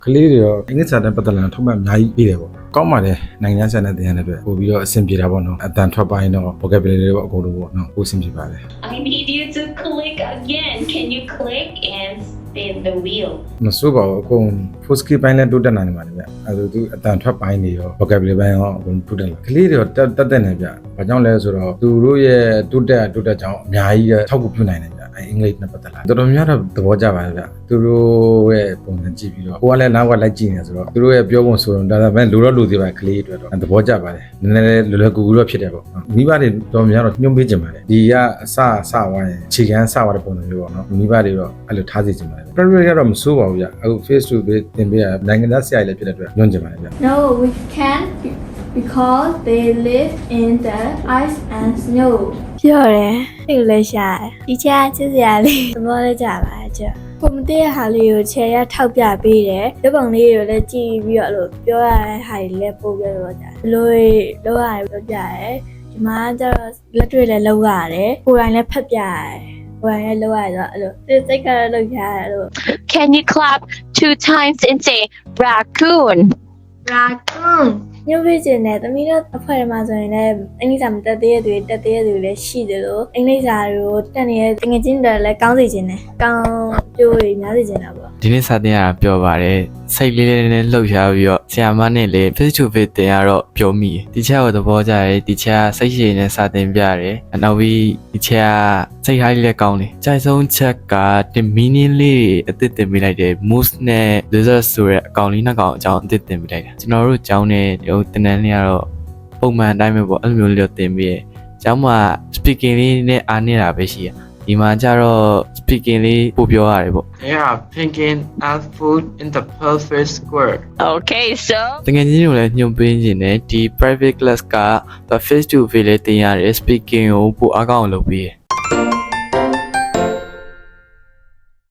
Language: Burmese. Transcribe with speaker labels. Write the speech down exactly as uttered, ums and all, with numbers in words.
Speaker 1: ကလေးတွေရောအင်္ဂလိပ်စာနဲ့ပတ်သက်လာထောက်မှတ်အများကြီးပြီးတယ်ပေါ့ကောင်းပါတယ်နိုင်ငံခြားနဲ့တင်ရတဲ့အတွက်ပို့ပြီးတော့အဆင်ပြေတာပေါ့နော်အတန်ထွက်ပိုင်းတော့ vocabulary တွေပေါ့အကုန်လုံးပေါ့နော်ပို့အဆင်ပြေပါတယ်
Speaker 2: I need you to click again. Can you click and spin the wheel?
Speaker 1: မစိုးပါဘူးအကုန် full skill ပိုင်းလည်းတိုးတက်နိုင်ပါတယ်ဗျအဲဒါသူအတန်ထွက်ပိုင်းတွေရော vocabulary ပိုင်းရောအကုန်တိုးတက်လာကလေးတွေရောတက်တက်နေဗျဘာကြောင့်လဲဆိုတော့သူတို့ရဲ့တိုးတက်တိုးတက်ကြောင်းအများကြီးထောက်ကူပြုနိုင်တယ်ဗျအင်္ဂလိပ်နဲ့ပတ်သက်လာတော်တော်များတော့သဘောကျပါတယ်ဗျသူတို့ရဲ့ပုံစံကြည့်ပြီးတော့ကိုကလည်းနောက်ကလိုက်ကြည့်နေဆိုတော့သူတို့ရဲ့ပြောပုံဆိုတော့ဒါသာပဲလူတော့လူသေးပါကလေးတွေတော့သဘောကျပါတယ်နည်းနည်းလွယ်လွယ်ကူကူတော့ဖြစ်တယ်ပေါ့မိဘတွေတော်များတော့ညှို့ပေးကြပါတယ်ဒီကအစအစဝိုင်းခြေကန်းစသွားတဲ့ပုံစံမျိုးပေါ့နော်မိဘတွေတော့အဲ့လိုထားစီကြပါတယ် private ကတော့မစိုးပါဘူးဗျအခု face to face သင်ပေးရနိုင်ငံသားဆရာကြီးလည်းဖြစ်တဲ့အတွက်ညွှန်ကြပါတယ်ဗျ
Speaker 3: No, we can't be- because they live in the ice and snow.
Speaker 4: ပြောတယ်စိတ်လည်းရှာတယ်ဒီချာချစ်စရာလေးသဘောလည်းကြပါကြပုံမတည့်တဲ့ဟာလေးကိုခြေရထောက်ပြပေးတယ်ရုပ်ပုံလေးတွေကိုလည်းကြည့်ပြီးတော့အဲ့လိုပြောရတဲ့ဟာတွေလည်းပို့ပြတော့ကြတယ်ဘလို့လောက်ရတယ်ပြောပြတယ်ဒီမှာကျတော့လက်တွေ့လည်းလောက်ရတယ်ကိုယ်တိုင်လည်းဖတ်ပြရတယ်ကိုယ်တိုင်လည်းလောက်ရတော့အဲ့လိုစိတ်စိတ်ကတော့လောက်ရတယ်အဲ့လို
Speaker 2: Can you clap two times and say raccoon?
Speaker 3: Raccoon.
Speaker 4: ညှို့ပေးခြင်းနဲ့သမီးတို့အဖွဲ့ထဲမှာဆိုရင်လည်းအင်္ဂလိပ်စာမတက်သေးတဲ့သူတွေတက်သေးတဲ့သူတွေလည်းရှိတယ်လို့အင်္ဂလိပ်စာတွေကိုတက်နေတဲ့ငွေချင်းတွေလည်းကောင်းစေခြင်းနဲ့ကောင်းကျိုးတွေများစေခြင်းတာပေါ့
Speaker 5: ဒီနေ့စာသင်ရတာပြောပါတယ်စိတ်လေးလေးနဲ့လှုပ်ရှားပြီးတော့ဆရာမနဲ့လည်း face to face တင်ရတော့ပြောမိတယ်ဒီချက်ကိုသဘောကျတယ်ဒီချက်ကစိတ်ရှည်နဲ့စာသင်ပြတယ်နောက်ပြီးဒီချက်ကစိတ်ထားလေးလည်းကောင်းတယ်ကြိုက်ဆုံးချက်ကတင် meaning လေးအသစ်တင်ပေးလိုက်တယ် moose နဲ့ lizard ဆိုတဲ့အကောင်လေးနှစ်ကောင်အကြောင်းအသစ်တင်ပေးလိုက်တာကျွန်တော်တို့ကျောင်းနဲ့ဟိုတင်တန်းလေးကတော့ပုံမှန်အတိုင်းပဲပေါ့အဲ့လိုမျိုးလေးတော့တင်ပေးရကျောင်းမှာ speaking လေးနဲ့အားနေတာပဲရှိရဒီမှာကျတော့ speaking လေးပို့ပြောရတယ်ပေါ့
Speaker 6: They are picking up food in the perfect square.
Speaker 2: Okay, so
Speaker 5: တကယ်ကြီးတို့လည်းညှို့ပေးခြင်းနဲ့ဒီ private class က face to face လေးတင်ရတယ် speaking ကိုပိုအားကောင်းအောင်လုပ်ပေးရ